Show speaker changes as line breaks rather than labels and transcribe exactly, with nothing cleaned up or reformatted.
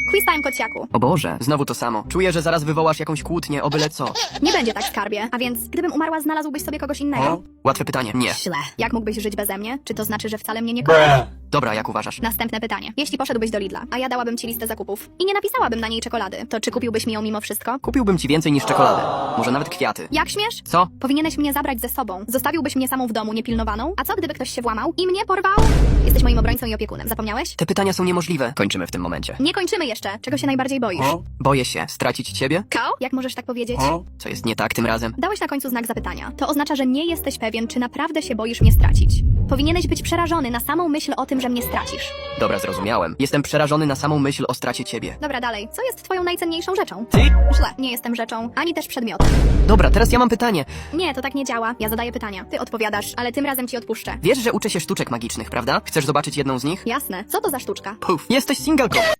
Quiz time, kociaku.
O Boże, znowu to samo. Czuję, że zaraz wywołasz jakąś kłótnię, o byle co.
Nie będzie tak, skarbie. A więc, gdybym umarła, znalazłbyś sobie kogoś innego?
Łatwe pytanie. Nie.
Źle. Jak mógłbyś żyć beze mnie? Czy to znaczy, że wcale mnie nie kochasz?
Dobra, jak uważasz?
Następne pytanie. Jeśli poszedłbyś do Lidla, a ja dałabym ci listę zakupów i nie napisałabym na niej czekolady, to czy kupiłbyś mi ją mimo wszystko?
Kupiłbym ci więcej niż czekoladę. Może nawet kwiaty.
Jak śmiesz?
Co?
Powinieneś mnie zabrać ze sobą. Zostawiłbyś mnie samą w domu, niepilnowaną? A co, gdyby ktoś się włamał i mnie porwał? Jesteś moim obrońcą i opiekunem. Zapomniałeś?
Te pytania są niemożliwe. Kończymy w tym momencie.
Nie kończymy jeszcze. Czego się najbardziej boisz?
Boję się stracić ciebie?
Kał? Jak możesz tak powiedzieć?
Co jest nie tak tym razem?
Dałeś na końcu znak zapytania. To oznacza, że nie jesteś pewien, czy naprawdę się boisz mnie stracić. Powinieneś być przerażony na samą myśl o tym, że mnie stracisz.
Dobra, zrozumiałem. Jestem przerażony na samą myśl o stracie ciebie.
Dobra, dalej. Co jest twoją najcenniejszą rzeczą?
Ty?
Źle. Nie jestem rzeczą, ani też przedmiotem.
Dobra, teraz ja mam pytanie.
Nie, to tak nie działa. Ja zadaję pytania. Ty odpowiadasz, ale tym razem ci odpuszczę.
Wiesz, że uczę się sztuczek magicznych, prawda? Chcesz zobaczyć jedną z nich?
Jasne. Co to za sztuczka?
Puf, jesteś singalką.